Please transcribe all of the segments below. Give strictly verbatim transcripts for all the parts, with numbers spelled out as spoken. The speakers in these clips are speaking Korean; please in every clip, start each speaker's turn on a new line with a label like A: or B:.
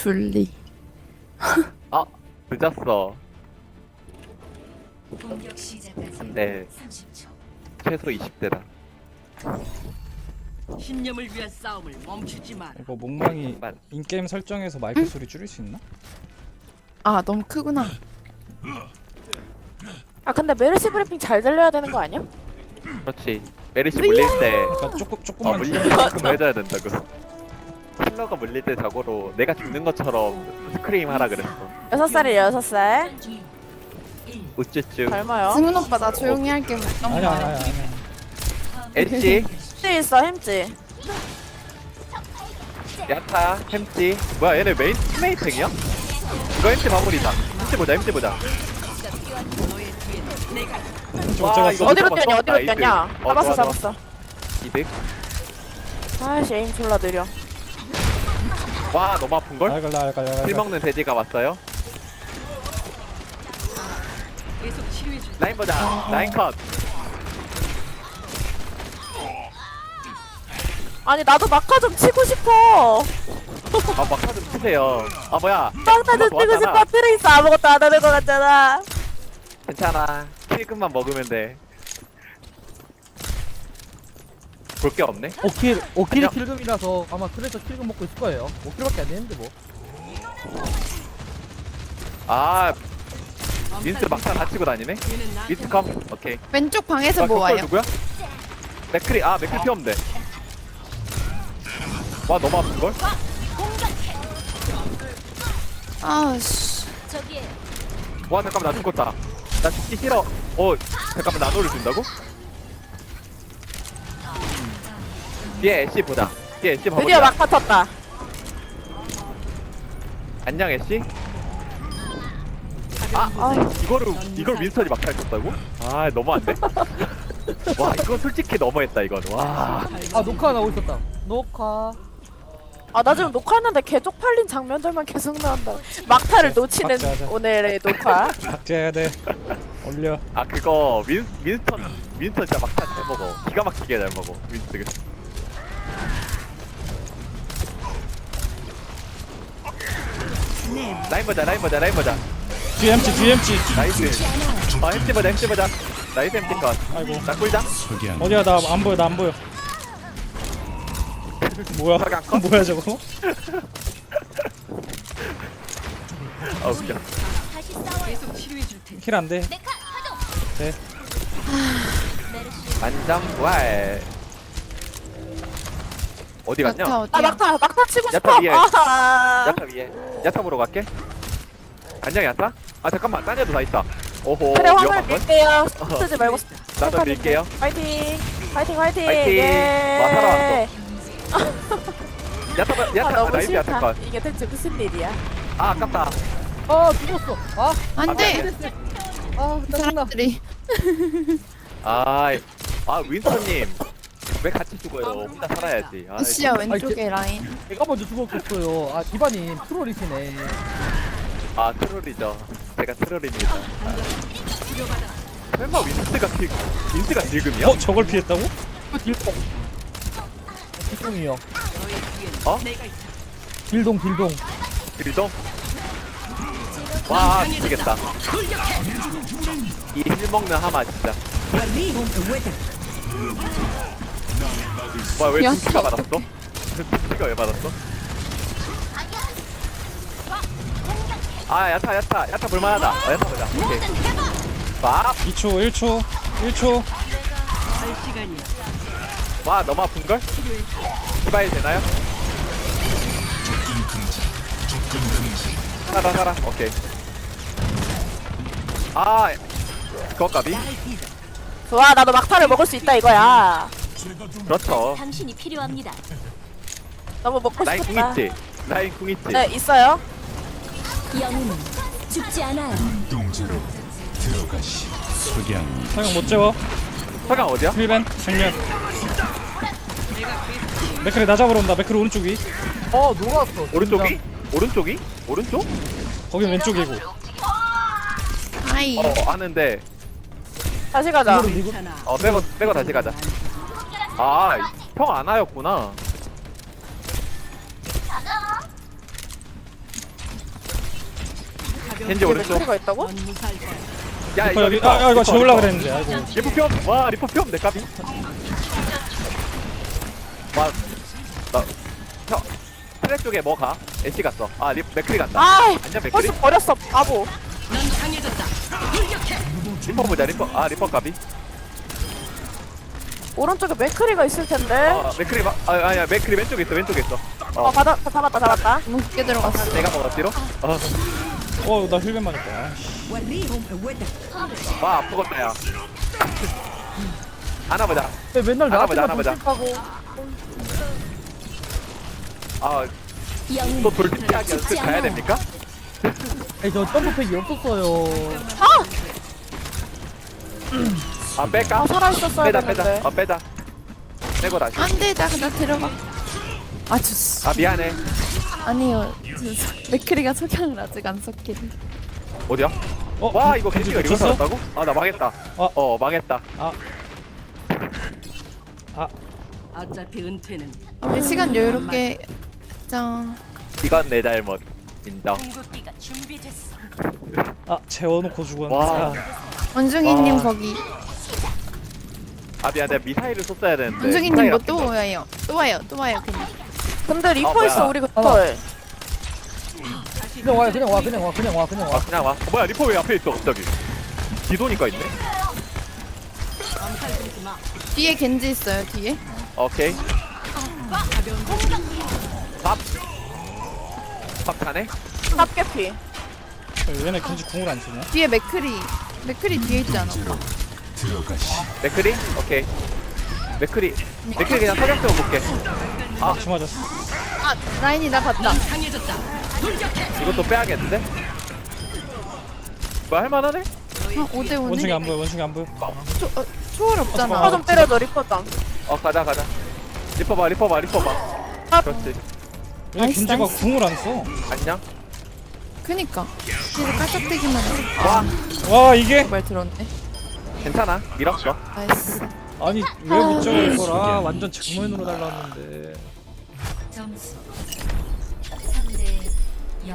A: 둘리.
B: 아 늦었어.
C: 공격 시작까지
B: 근데
C: 삼십 초.
B: 최소 이십 대다.
D: 신념을 위한 싸움을 멈추지 마라.
E: 이거 몽망이 인게임 설정에서 마이크 소리 줄일 수 있나?
A: 아 너무 크구나.
F: 아 근데 메르시 브리핑 잘 들려야 되는 거 아니야?
B: 그렇지. 메리시 물릴 때
E: 그러니까 조금
B: 어,
E: 조금만
B: 물릴
E: 줄여.
B: 때만큼 해줘야 된다고. 힐러가 물릴 때 자고로 내가 죽는 것처럼 스크림 하라 그랬어.
F: 여섯 살이에요 여섯 살.
B: 우쭈쭈.
F: 닮아요.
A: 승훈 오빠 나 조용히 할게.
E: 아니야 아니야 아니야.
B: 엣지,
F: 햄찌 있어 햄찌.
B: 야타, 햄찌. 뭐야 얘네 메인 스메이탱이야? 이거 햄찌 마무리다. 햄찌 보자, 햄찌 보자.
E: 저
B: 와,
E: 어쩌갔어?
B: 이거
F: 어디로
B: 잡았어?
F: 뛰었냐 어디로
B: 나이스.
F: 뛰었냐.
B: 어,
F: 잡았어
B: 좋아, 좋아.
F: 잡았어.
B: 이득.
F: 아이씨 에임 졸라 느려.
B: 와 너무 아픈걸?
E: 알갈 알갈
B: 힐
E: 알갈.
B: 먹는 돼지가 왔어요.
D: 계속 치료해 줄.
B: 라인 보자. 라인 컷.
F: 아니 나도 막화 좀 치고 싶어.
B: 아 막타 좀 치세요. 아 뭐야?
F: 막화 좀 치고
B: 도왔잖아.
F: 싶어. 트레이스 아무것도 안 하는 거 같잖아.
B: 괜찮아. 킬금만 먹으면 돼. 볼 게 없네.
G: 오 킬, 오 킬이
B: 안녕.
G: 킬금이라서 아마 그래서 킬금 먹고 있을 거예요. 오 킬밖에 안 되는데 뭐.
B: 아 민스 막타 다 치고 다니네. 민스 컴. 오케이.
A: 왼쪽 방에서 뭐
B: 격돌
A: 와요?
B: 누구야? 맥크리. 아 맥크리 피 없는데. 와 너무 아픈 걸?
A: 아씨.
B: 와 잠깐만 나 죽었다. 나 죽기 싫어. 어 잠깐만 나노를 준다고? 뒤에 애쉬 보자. 뒤에 애쉬 봐보자.
F: 드디어 막화 텄다.
B: 안녕 애쉬. 아 이거를 이걸 윈스턴이 막타 쳤다고? 아 너무한데? 와 이거 솔직히 너무했다 이건. 와.
G: 아 녹화 나오고 있었다. 녹화.
F: 아 나 지금 녹화하는데 개 쪽팔린 장면들만 계속 나온다. 막타를 놓치는
E: 박자하자.
F: 오늘의 녹화.
E: 박제해야 돼. 올려.
B: 아 그거 윈 윈스턴 윈스턴 진짜 막타 잘 먹어. 기가 막히게 잘 먹어 윈스턴. 라인 보자 라인 보자 라인 보자.
E: 뒤에 엠치 뒤에 엠치.
B: 나이스. 아 햄찌 보자 햄찌 보자. 나이스 햄찌 컷.
E: 아이고.
B: 나 꿀자.
E: 어디야 나 안 보여 나 안 보여. 뭐야?
B: 석양 컷?
E: 뭐야 저거?
B: 아 웃겨.
D: 계속 치료해 줄 테니.
E: 킬 안 돼. 네.
B: 만점 부활. 어디 갔냐?
A: 야타
F: 아
A: 어디야?
F: 막타 막타 치고
B: 야타
F: 싶어.
B: 위에.
F: 아.
B: 야타 위에. 야타 보러 갈게. 안녕 야타? 아 잠깐만 딴 애도 다 있다. 오호
F: 그래 화물
B: 위험한 걸?
F: 밀게요. 쓰지 말고.
B: 나도 밀게요.
F: 파이팅. 파이팅 파이팅.
B: 파이팅.
F: 예.
B: 와, 살아왔어. 야타 봐-
F: 아
B: 야타
F: 너무
B: 나이스 야타
F: 싫다.
B: 컷.
F: 이게 대체 무슨 일이야?
B: 아 아깝다.
G: 아 죽었어. 아,
A: 안돼.
G: 아
A: 이
G: 짜증나.
A: 사람들이.
B: 아, 아 윈스턴님 왜 같이 죽어요? 혼자 살아야지. 아,
A: 아씨야 왼쪽에 라인.
G: 내가 먼저 죽었겠어요. 아 디바님 트롤이시네.
B: 아 트롤이죠. 제가 트롤입니다. 아. 설마 윈스가 지 윈스가 지금이야?
E: 어 저걸 피했다고?
G: 그 딜동. 딜동이요.
B: 어?
G: 딜동 딜동.
B: 그리도? 와 미치겠다. 이 힐 먹는 하마 진짜. 와왜
A: 야,
B: 빈치가 받았어? 빈치가 왜 받았어? 아 야타 야타 야타 볼만하다. 어, 야타 보자. 오케이. 와,
E: 이 초 일 초 일 초.
D: 할 시간이야.
B: 와 너무 아픈걸? 디바일 되나요? 살아 살아 오케이. 아 그것까비?
F: 좋아 나도 막타를 먹을 수 있다 이거야.
B: 그렇죠.
C: 당신이 필요합니다.
F: 너무 먹고
B: 라인 궁
F: 싶다.
B: 있지? 라인 궁 있지?
F: 네 있어요.
C: 영웅은 죽지 않아요.
E: 사용 못 재워.
B: 서강 어디야?
E: 힐벤 정면. 맥크리 나 잡으러 온다. 맥크리 오른쪽 위.
G: 어 녹았어.
B: 오른쪽이? 오른쪽이? 오른쪽?
E: 거긴 왼쪽이고.
A: 아이.
B: 어 하는데
F: 다시 가자.
D: 괜찮아.
B: 어 빼고 빼고 다시 가자. 아형 안하였구나. 겐지 오른쪽.
F: 맥크리가 있다고?
D: 넌 무사할 거야.
B: 야
E: 리퍼 여기 아, 아 이거 재울라 그랬는데 아이고
B: 리퍼 뿅! 와 리퍼 뿅! 내 까비 와 나.. 형 트랙 쪽에 뭐 가? 애쉬 갔어 아 리, 맥크리 간다
F: 아,
B: 안녕 맥크리?
F: 벌써 버렸어, 바보.
D: 넌 강해졌다. 돌격해.
B: 리퍼 보자 리퍼 아 리퍼 까비
F: 오른쪽에 맥크리가 있을 텐데.
B: 아 맥크리 마, 아 아니야 맥크리 왼쪽에 있어 왼쪽에 있어
F: 어,
B: 어
F: 받아, 잡았다, 잡았다.
A: 너무 깊게 들어갔어.
B: 내가 먹었지로? 어.
E: 어나 힐벤 맞았다 아이씨.
B: 와 아프겠다 야 안아보자
G: 왜 맨날
B: 하나 보자,
G: 나한테만
B: 하나 보자.
G: 돌직하고.
B: 아
C: 영웅
B: 또 돌진피하기 연습 가야 됩니까?
G: 아니 저 점프팩이 없었어요.
B: 아 뺄까?
F: 아, 살아있었어야
B: 빼자
F: 되는데.
B: 빼자 어 빼자 빼고 다시
A: 안 돼, 나, 나 들어가. 아, 저,
B: 아 미안해
A: 아니요. 저, 저, 맥크리가 석양을 아직 안 썼길래.
B: 어디야?
E: 어?
B: 와 이거
E: 겐지
B: 겐지가 이거
E: 놓쳤어?
B: 살았다고? 아 나 망했다
E: 어.
B: 어 망했다
D: 어차피 은퇴는
A: 우리 시간 여유롭게. 짠.
B: 이건 내 잘못 인정
D: 궁극기가 준비됐어.
E: 아 재워놓고 죽었네
B: 와.
E: 아,
A: 원중이님
B: 와.
A: 거기.
B: 아 미안 내가 미사일을 썼어야 되는데
A: 원중이님 뭐
B: 미사일
A: 또 와요. 또 와요. 또 와요. 그냥.
F: 근데 리퍼
B: 뭐야.
F: 있어, 우리 그걸.
G: 그냥 와 그냥 와 그냥 와 그냥 와 그냥
B: 아
G: 와.
B: 그냥 와 어, 뭐야 리퍼 왜 앞에 있어 갑자기 기도니까 있네
D: 엄살 부리지 마.
A: 뒤에 겐지 있어요. 뒤에.
B: 오케이
D: 가벼운
B: 밥 밥 타네?
F: 탑개피.
E: 얘네 겐지 궁을 안 쓰냐?
A: 뒤에 맥크리. 맥크리 뒤에 있지 않아?
B: 맥크리? 오케이 맥크리 맥크리 그냥 사격적으로 볼게
E: 아 치 맞았어
A: 아, 라인이 나 봤다.
D: 넌 강해졌다. 돌격해.
B: 이것도 빼야겠는데? 뭐 할만하네?
A: 아, 오 대
E: 원숭이
A: 오네.
E: 안 보여 원숭이 안 보여
A: 초, 어, 초월 없잖아.
F: 리퍼 좀 때려줘, 리퍼 좀.
B: 어 가자 가자 리퍼 봐 리퍼 봐 리퍼 봐
F: 아.
B: 그렇지
E: 얘네
A: 나이스,
E: 겐지가
A: 나이스.
E: 궁을 안 써.
B: 안녕
A: 그니까. 뒤에 깔짝대기만 해.
B: 와
E: 와 이게
A: 말 들었네.
B: 괜찮아 밀었어
A: 나이스.
E: 아니 왜 못 잡아 이걸 아 완전 정면으로 날라왔는데
C: 점수 삼 대 영.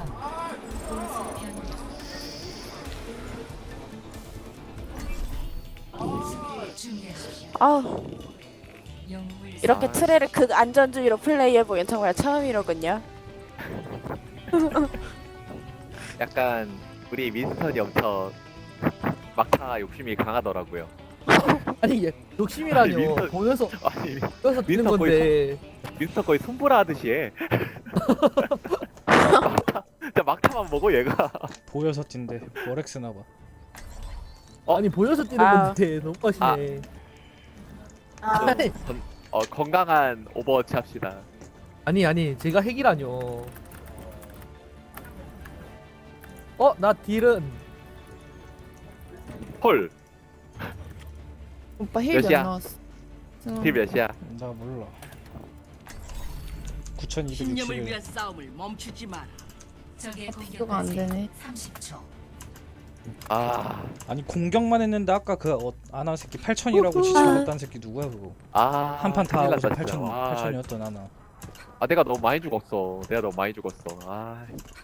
F: 아,
C: 영웅을
F: 이렇게 트레를 극 안전주의로 플레이해보긴 정말 처음이로군요.
B: 약간 우리 윈스턴이 엄청 막타 욕심이 강하더라고요
G: 아니 얘 욕심이라뇨.
B: 아니, 민서-
G: 보면서
B: 아니
G: 보면서 뛰는
B: 민서 거의
G: 건데.
B: 윈스턴 거의 손보라 하듯이 해 막타, 진짜 막타만 먹어 얘가
E: 보여서 뛴대 워렉스 나봐
B: 어?
G: 아니 보여서 뛰는
F: 아.
G: 건데 너무 빠시네.
F: 아,
G: 아니,
B: 건- 어, 건강한 오버워치 합시다
G: 아니 아니 제가 핵이라뇨. 어 나 딜은
B: 헐
A: 오빠 힐 몇
B: 몇이야?
A: 나왔어?
B: 딜 몇이야?
E: 나 몰라
D: 신념을 위한
E: 구천이백육십일
D: 싸움을 멈추지 마라.
C: 적의
A: 이거가 안 되네.
C: 삼십 초.
B: 아,
E: 아니 공격만 했는데 아까 그 어, 아나 새끼 팔천이라고 지지 못한 새끼 누구야 그거
B: 아
E: 한 판 다
B: 큰일
E: 하고서
B: 났다, 진짜.
E: 팔천
B: 와,
E: 팔천이었던 아나
B: 아 내가 너무 많이 죽었어 내가 너무 많이 죽었어 아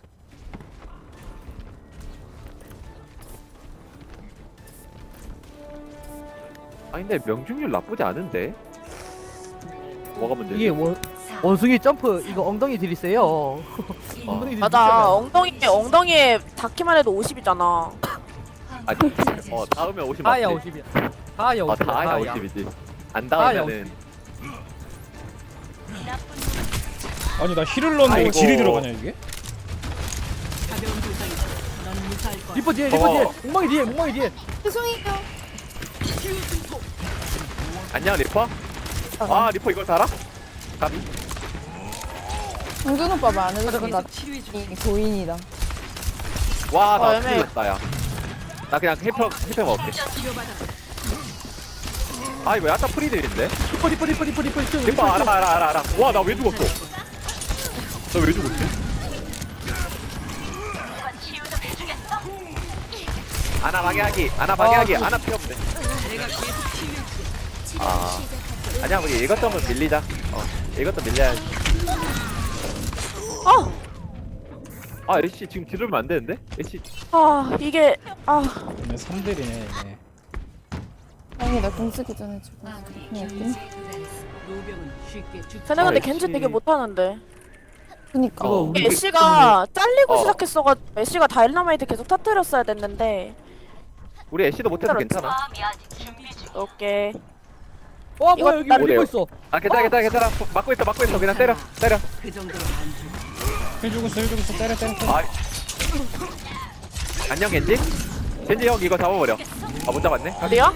B: 아니 근데 명중률 나쁘지 않은데? 뭐가 문제지?
G: 이게 원 원숭이 점프 이거 엉덩이 딜이 세요. 엉덩이 딜이
F: 맞아.
G: 세요.
F: 엉덩이, 엉덩이에 닿기만 해도 오십이잖아.
B: 아니 어 닿으면 오십
G: 다야
B: 맞지?
G: 오십이야. 다야
B: 어
G: 오십이야.
B: 다야 오십이지 안 닿으면은
E: 아니 나 힐을 넣는데
B: 아이고.
E: 왜 딜이 들어가냐 이게?
D: 가벼운 부상이다. 넌 무사할 거야.
G: 리퍼 뒤에 리퍼
B: 어.
G: 뒤에 엉망이 뒤에 엉망이 뒤에.
A: 죄송해요.
B: 안녕 리퍼? 아 리퍼 이걸 달아? 까비
A: 정준 오빠 말 안 해줘서 나
D: 계속 치료해 줄
A: 이 고인이다.
F: 어,
B: 와나
F: 애매해.
B: 큰일 났다 야나 그냥 힐평 힐평 먹을게
D: 치료받아.
B: 아 이거 약간 프리들인데?
G: 리퍼 리퍼 리퍼 리퍼 리퍼 리퍼
B: 리퍼 알아 알아 알아 알아 와 나 왜 죽었어 나 왜 죽었지? 아나 방해하기 아나 방해하기 아나 필요 없네
D: 내가 계속 치료해 줄
B: 아 아니야 우리 이것저것 밀리자 어 이것도 밀려야지
F: 어!
B: 아 애쉬 지금 뒤르면 안 되는데? 애쉬
F: 아 이게 아
E: 얘네 삼 딜이네 얘네.
A: 아니 나공 쓰기 전에 지금
C: 아군이
A: 그냥
C: 경제에
A: 할게.
C: 도달했습니다.
D: 노병은 쉽게 죽지.
F: 쟤네 근데
B: 아,
F: 겐지
B: 역시.
F: 되게 못하는데
A: 그니까
B: 어,
F: 이게
B: 우리
F: 애쉬가 잘리고
B: 어.
F: 시작했어가 애쉬가 다일라마이트 계속 터뜨렸어야 됐는데
B: 우리 애쉬도 못해도 괜찮아.
F: 오케이
G: 와
F: 이거
G: 뭐야 여기
F: 나-
G: 리퍼 있어.
B: 아 괜찮아 괜찮아 괜찮아. 막고 있어 막고 있어 그냥 때려 때려.
D: 그 정도로 안 죽어.
E: 힐 주고 있어 힐 주고 있어 때려 때려 때려.
B: 아 안녕 겐지. 겐지 형 이거 잡아버려. 아 못 잡았네.
F: 어디야?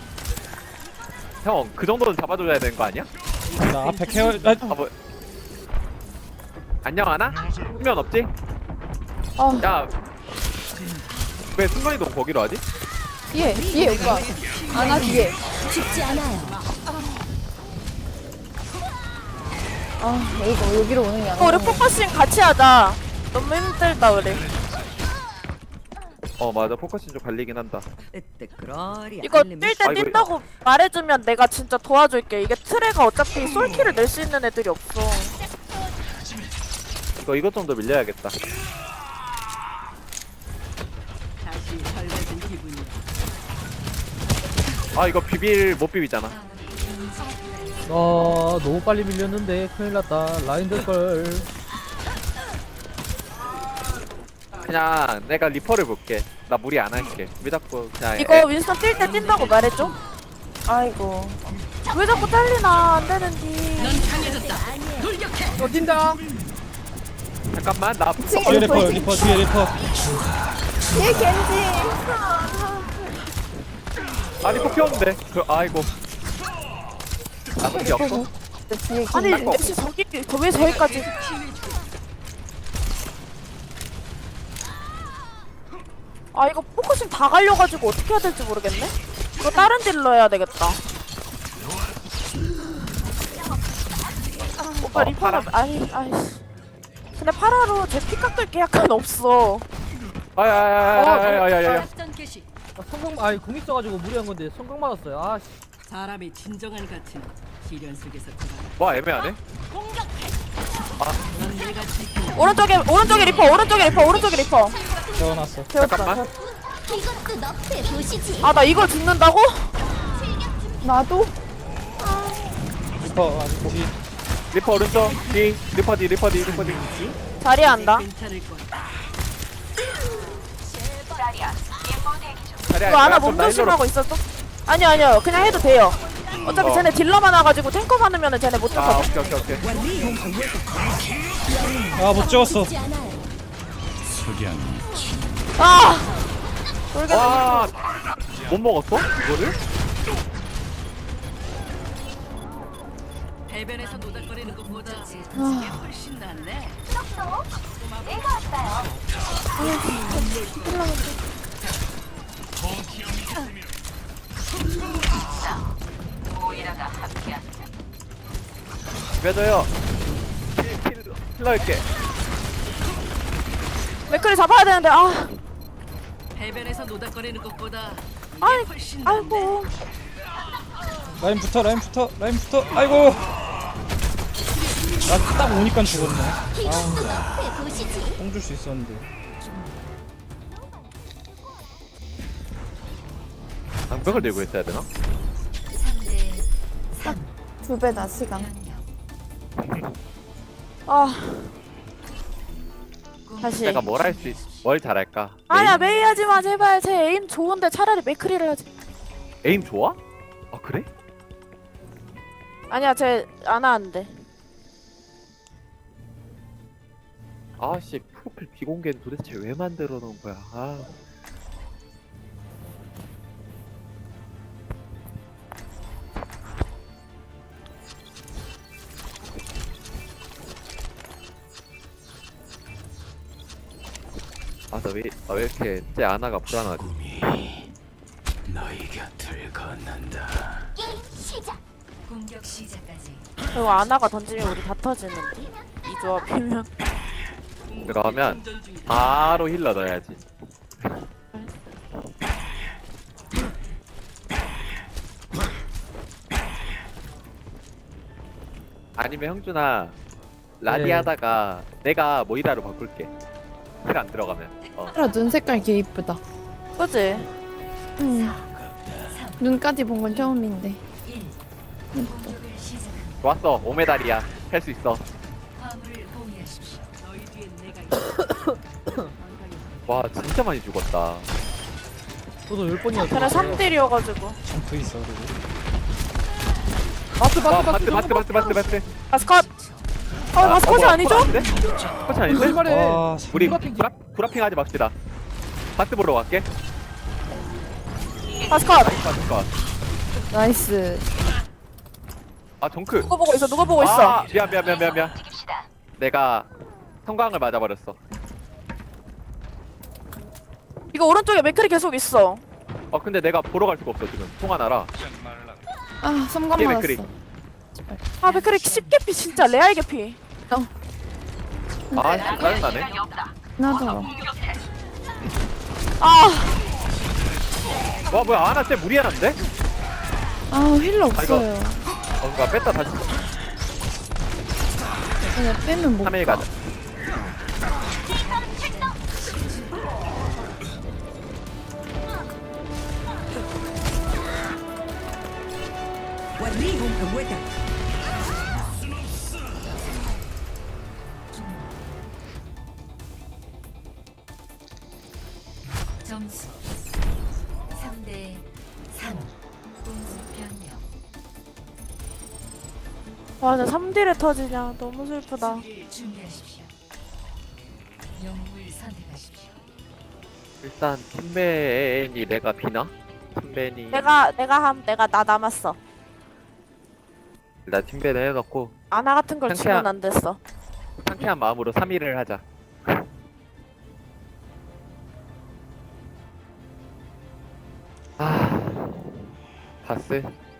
B: 형 그 정도는 잡아줘야 되는 거 아니야?
E: 나 앞에 케어. 아,
B: 아 뭐. 안녕 하나? 수면 없지?
A: 어
B: 야. 왜 순간이동 거기로 하지?
A: 뒤에 뒤에 오빠 아나 뒤에 아 이거 여기로 오는 게
F: 어, 우리
A: 아니야
F: 포커싱 같이 하자 너무 힘들다 우리
B: 어 맞아 포커싱 좀 갈리긴 한다.
F: 이거 뛸 때
B: 아, 이거-
F: 뛴다고 말해주면 내가 진짜 도와줄게 이게 트레가 어차피 솔킬을 낼 수 있는 애들이 없어
B: 이거 이것 좀 더 밀려야겠다.
D: 다시 설레진 기분이야.
B: 아 이거 비빌 못 비비잖아.
C: 아군이 경제에 도달했습니다.
G: 아 너무 빨리 밀렸는데 큰일 났다. 라인 될걸.
B: 그냥 내가 리퍼를 볼게. 나 무리 안 할게. 왜 자꾸 그냥
F: 이거
B: 애-
F: 윈스턴 뛸 때 뛴다고 말해줘
A: 아이고
F: 왜 자꾸 잘리나 안 되는지
D: 넌 강해졌다. 돌격해.
G: 어 뛴다.
B: 잠깐만 나
E: 뒤에 리퍼 리퍼 뒤에 리퍼.
A: 뒤에 겐지
B: 아 리퍼 피웠는데. 그 아이고. 아 그게 없어?
A: 뒤에
F: 아니
A: 겐지
F: 역시 저기 저왜 저기까지 아 이거 포커싱 다 갈려가지고 어떻게 해야 될지 모르겠네 이거 다른 딜러 해야 되겠다 오빠
B: 어,
F: 리퍼는 아니 아이씨 근데 파라로 제 피 깎을 게 약간 없어
B: 아야야야야야야야.
D: 작전 개시.
G: 아, 성공 아니 공 있어가지고 무리한 건데 성공 맞았어요. 아 씨.
D: 사람의 진정한 가치는 시련 속에서 드러나.
B: 와 애매하네.
D: 넌 내가 지킨
F: 오른쪽에 오른쪽에 리퍼 오른쪽에 리퍼 오른쪽에 리퍼
E: 세워놨어.
B: 잠깐만.
F: 아 나 이걸 죽는다고?
A: 나도
E: 리퍼 아직 뒤.
B: 리퍼 오른쪽 뒤 리퍼 뒤 리퍼 뒤 리퍼 뒤.
F: 자리에 한다
D: 괜찮을 거야.
B: 자리야.
F: 이거 하나
B: 야, 그럼 나 일로로-
F: 몸조심하고 있었어? 아니요 아니요 그냥 해도 돼요 어차피
B: 어.
F: 쟤네 딜러 많아가지고 탱커 많으면 쟤네 못
B: 아
F: 죽거든
B: 오케이 오케이 오케이.
E: 아못 찍었어.
F: 아! 돌겠네
B: 와. 못 먹었어? 이거를?
D: 해변에서 노닥거리는 것보다 이게 훨씬 낫네.
B: 빼줘요. 킬, 킬, 킬러 할게.
F: 맥클이 잡아야 되는데 아
D: 해변에서 노닥거리는 것보다 이게
F: 아이,
D: 훨씬 낫네.
F: 아이고
E: 라인 붙어 라인 붙어 라인 붙어. 아이고. 나 딱 오니까 죽었네. 아. 뽕줄 수 있었는데.
B: 장벽을 들고 있어야 되나?
C: 삼 대
A: 두 배다 시간
C: 변경.
F: 아 다시
B: 내가 뭘 할 수 있, 뭘 잘할까?
F: 아야 메이 하지마 제발 제 에임 좋은데 차라리 맥크리를 하지
B: 에임 좋아? 아 그래?
F: 아니야 쟤 안 하는데
B: 아씨 프로필 비공개는 도대체 왜 만들어 놓은 거야? 아. 아, 나 왜, 나 왜 이렇게 제 아나가 불안하지?
C: 공격 시작까지
F: 그리고 아나가 던지면 우리 다 터지는데 이 조합이면
B: 그러면 바로 힐러 넣어야지. 아니면 형준아 라디
G: 네.
B: 하다가 내가 모이라로 바꿀게. 힐안 들어가면. 어.
A: 파라 눈 색깔 개 이쁘다.
F: 그지?
A: 응. 눈까지 본 건 처음인데.
C: 공격을 시작합니다.
B: 좋았어. 오 메달이야. 할 수 있어.
C: 화물을 공유하십시오.
D: 너희 뒤엔 내가 있어.
B: 와 진짜 많이 죽었다.
G: 저도 열 번이나
F: 걔네 삼 딜이어가지고.
E: 점프 있어 그리고.
G: 바스
B: 와
G: 바스
B: 바트 바트 바트 바트 바트.
F: 마스컷! 어, 마스컷이
B: 뭐야,
F: 아니죠?
B: 컷 아닌데? 컷이 아닌데?
G: 거짓말해.
E: 와
B: 우리
G: 구라핑
B: 구라, 구라핑 하지 맙시다. 바트 보러 갈게.
F: 마스컷!
B: 바트 컷.
A: 나이스.
B: 아 정크.
F: 누구 보고 있어? 누구 보고 있어?
B: 아 미안 미안 미안 미안 미안. 내가 성광을 맞아버렸어.
F: 이거 오른쪽에 맥클이 계속 있어.
B: 어 근데 내가 보러 갈 수가 없어 지금. 통화나라.
A: 아, 섬광
B: 뒤에
A: 맞았어.
B: 맥크리.
F: 아, 맥클이 십 개피 진짜 레알 개피.
B: 아 짜증나네.
A: 나더라.
F: 아,
B: 와 뭐야 아나 쟤 무리하는데?
A: 아, 힐러 없어요.
B: 어 그니까 뺐다 다시
A: 그냥 빼면 못
B: 삼 일
A: 가.
B: 가자.
C: 점수 삼 대 삼. 공수 변경.
F: 와, 나 삼 딜에 터지냐. 너무 슬프다.
C: 준비하십시오. 영웅을 선택하십시오.
B: 일단 팀벤이 내가 비나? 팀벤이
F: 내가, 내가 함, 내가 나 남았어.
B: 일단 팀벤을 해놓고
F: 아나 같은 걸
B: 상쾌한-
F: 치면 안 됐어.
B: 상쾌한 마음으로 삼 일을 하자. 아 바스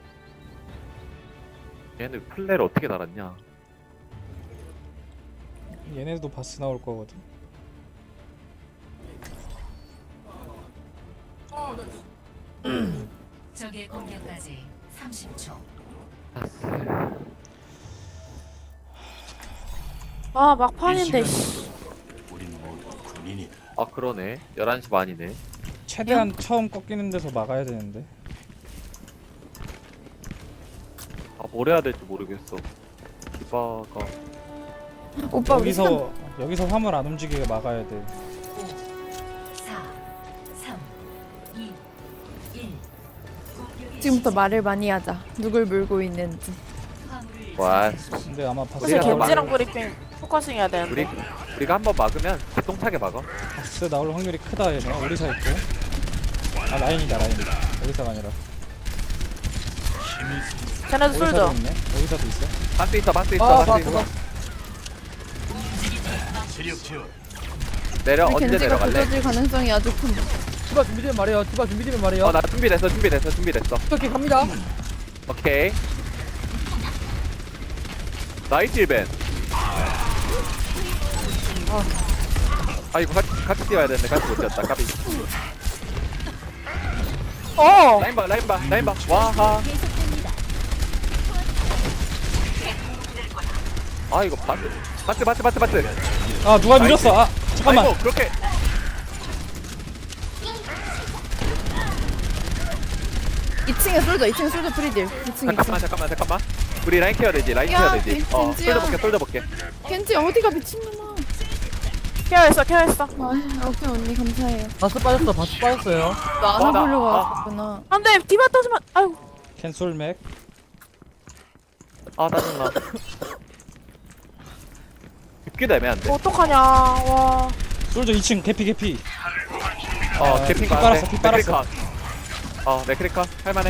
B: 얘는 플레이를 어떻게 달았냐.
E: 얘네도 바스 나올 거거든.
C: 적의 공격까지 삼십 초.
B: 바스
F: 아, 막판인데, 씨.
B: 아 그러네 열한 시 반이네.
E: 최대한 처음 꺾이는 데서 막아야 되는데.
B: 아 뭘 해야 될지 모르겠어. 디바가
A: 오빠 우리 선-
E: 여기서 여기서 화물 안 움직이게 막아야 돼.
C: 사, 삼, 이, 일. 공격의
A: 지금부터
C: 시작.
A: 말을 많이 하자. 누굴 물고 있는지.
C: 화물을
B: 와
E: 근데 아마 바스
F: 사실
B: 우리가 더
F: 겐지랑 브리핑 포커싱 해야 되는데.
B: 우리 우리가 한번 막으면 개똥차게 막아.
E: 바스 나올 확률이 크다 얘네. 오리사 있고. 아 라인이다 라인이다. 오리사가 아니라.
F: 쟤네도 술죠.
E: 오리사도 있네. 오리사도 있어.
B: 바스 있어 바스 있어
G: 아,
B: 바스
G: 바스,
B: 있어. 내려
A: 우리
B: 언제
A: 겐지가
B: 내려갈래?
A: 부서질 가능성이 아주 큰.
G: 디바 준비되면 말해요. 디바 준비되면 말해요.
B: 어 나 준비됐어 준비됐어 준비됐어.
G: 이렇게 갑니다.
B: 오케이. 나이스 일벤. 아 이거 같이 같이 뛰어야 되는데 같이 못 뛰었다 까비.
F: 어!
B: 라인 봐 라인 봐 라인 봐 와하. 아 이거 바스 바스 바스 바스 바스.
E: 아 누가 밀었어? 아 잠깐만.
B: 아이고 그렇게.
A: 이 층에 쏠져. 이 층에 쏠져 프리딜. 이 층, 이 층.
B: 잠깐만 잠깐만 잠깐만. 우리 라인 케어 되지 라인
A: 야,
B: 케어 되지.
A: 겐-
B: 어
A: 겐지야.
B: 솔져 볼게 솔져 볼게.
A: 겐지 어디가 미친놈아.
F: 케어했어, 케어했어.
A: 아, 오케이 언니 감사해요.
G: 바스 빠졌어. 바스 빠졌어요.
A: 나
B: 어, 나-
A: 안아보려고
B: 아.
A: 왔었구나.
F: 안 돼, 디바 떠지면, 아유.
E: 캔솔 맥.
B: 아 짜증나. 죽기도 애매한데.
F: 어떡하냐, 와.
E: 솔저 이 층 개피 개피.
B: 어
E: 아,
B: 개핑
E: 피 빨았어, 피 빨았어.
B: 어 맥크리카 할만해.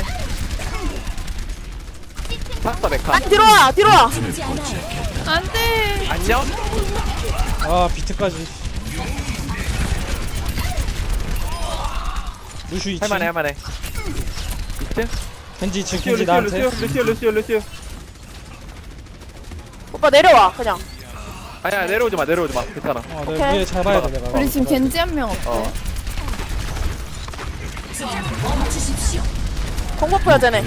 B: 탔어 메카.
F: 아, 뒤로 와, 뒤로 와.
A: 안돼.
B: 안녕.
E: 아 비트까지. 루슈 이 층.
B: 할만해 할만해. 이층
E: 겐지 이 층.
B: 루시오
E: 겐지
B: 루시오
E: 나한테.
B: 루시오 루시오 루시오 루시오.
F: 오빠 내려와, 그냥.
B: 아니야 내려오지 마 내려오지 마 괜찮아.
E: 어,
F: 오케이.
E: 내가 위에 잡아야 돼 내가.
A: 우리 지금 겐지 한 명 없대.
B: 어.
F: 공포포야, 쟤네.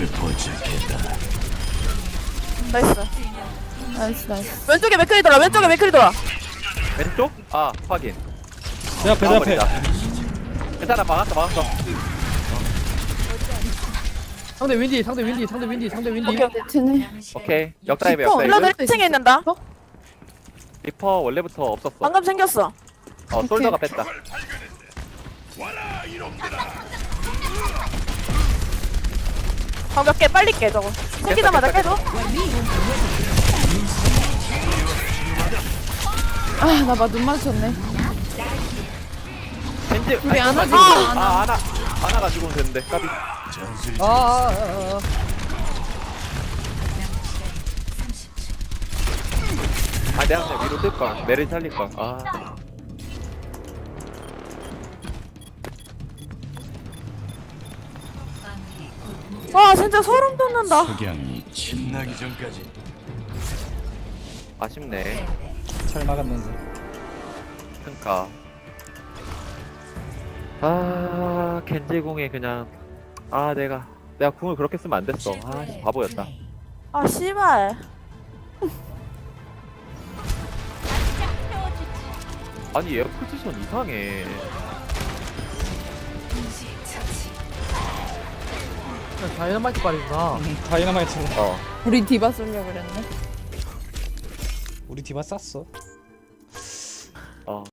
F: 나이스.
A: 나이스 나이스.
F: 왼쪽에 맥클이 돌아, 왼쪽에 맥클이 돌아.
B: 왼쪽? 아 확인.
E: 내 앞에 내 앞에.
B: 막아버리자. 괜찮아 막았어 막았어.
G: 상대 윈디 상대 윈디 상대 윈디 상대 윈디.
F: 오케이.
A: 쟤네
C: 남은 시간
B: 오케이 역다이브
A: 리퍼,
B: 역다이브.
F: 힐러들 일 층에 있는다.
B: 리퍼 원래부터 없었어.
F: 방금 생겼어.
B: 어 솔더가 뺐다.
F: 방몇 개 빨리 깨 저거. 생기자마자 깨줘.
A: 아나 봐 눈 마주쳤네.
B: 겐지
A: 우리
B: 아니,
A: 안 하지,
B: 아,
A: 안
B: 아 안아 안아 가지고 되는데 까비.
G: 아, 아, 아, 아.
B: 아 내가 그냥 위로 뜰 걸. 내를 살릴 걸. 아.
C: 마무리 곧
F: 와 진짜 소름 돋는다.
H: 석양이 빛나기 전까지
B: 아쉽네.
E: 잘 막았는데.
B: 그니까. 아 겐지 궁에 그냥 아 내가 내가 궁을 그렇게 쓰면 안 됐어. 아 씨, 바보였다.
F: 아 씨발.
B: 아니 얘 포지션 이상해.
C: 동시 처치.
G: 그냥 다이너마이트 빨이구나.
E: 음, 다이너마이트로.
B: 어.
A: 우리 디바 쏠려 그랬네.
E: 우리 디바 쌌어.
B: 어.